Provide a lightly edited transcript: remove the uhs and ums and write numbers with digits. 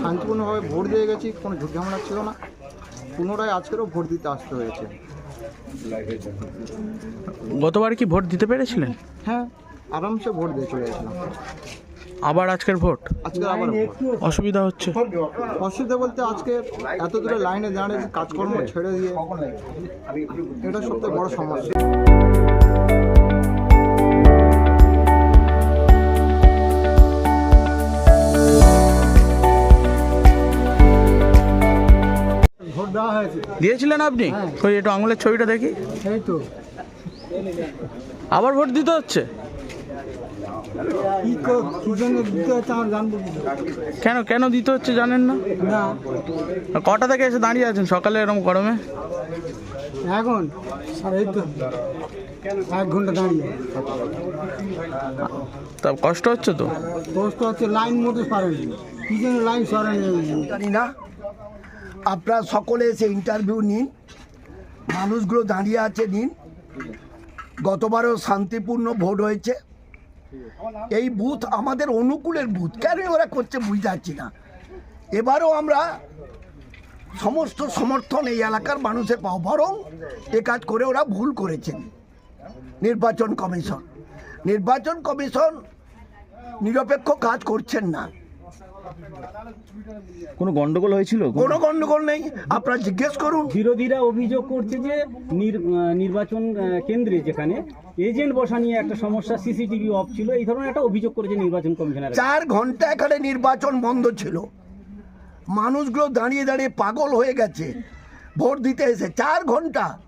শান্তিপূর্ণভাবে ভোট দিয়ে গেছি, কোনো ঝুট ঝামেলা ছিল না। পুনরায় আজকেরও ভোট দিতে আসতে হয়েছে। গতবার কি ভোট দিতে পেরেছিলেন? হ্যাঁ, আরামসে ভোট দিয়ে চলে গেছিলাম। আবার আজকের ভোট আজকে আবার ভোট। অসুবিধা হচ্ছে? অসুবিধা বলতে আজকে এত দূরে লাইনে দাঁড়িয়ে কাজকর্ম ছেড়ে দিয়ে, এটা সবথেকে বড় সমস্যা। ভোট দেওয়া হয়েছে। দিয়েছিলেন আপনি? ওই একটু আঙুলের ছবিটা দেখি। এই তো আবার ভোট দিতে হচ্ছে? কি জন্য দিতে হচ্ছে আমার জানবো কি? কেন কেন দিতে হচ্ছে জানেন না? না, কটা থেকে এসে দাঁড়িয়ে আছেন সকালে এরকম গরমে? এখন এই তো 1 ঘন্টা দাঁড়িয়ে। তা কষ্ট হচ্ছে তো? কষ্ট হচ্ছে, লাইন মতো সরেনি। কি জন্য লাইন সরেনি জানি না। আপনারা সকলে এসে ইন্টারভিউ নিন, মানুষগুলো দাঁড়িয়ে আছে নিন। গতবারও শান্তিপূর্ণ ভোট হয়েছে। এই বুথ আমাদের অনুকূলের বুথ, কেন ওরা করছে বুঝতে পারছি না। এবারও আমরা সমস্ত সমর্থন এই এলাকার মানুষের পাও, বরং এ কাজ করে ওরা ভুল করেছেন। নির্বাচন কমিশন নিরপেক্ষ কাজ করছেন না। কোনো গন্ডগোল হয়েছিল? কোনো গন্ডগোল নেই, আপনারা জিজ্ঞেস করুন। বিরোধীরা অভিযোগ করছে যে নির্বাচন কেন্দ্রে যেখানে এজেন্ট বসা নিয়ে একটা সমস্যা, সিসিটিভি অফ ছিল, এই ধরনের একটা অভিযোগ করেছে নির্বাচন কমিশনার। 4 ঘন্টা এখানে নির্বাচন বন্ধ ছিল, মানুষগুলো দাঁড়িয়ে দাঁড়িয়ে পাগল হয়ে গেছে ভোট দিতে এসে। 4 ঘন্টা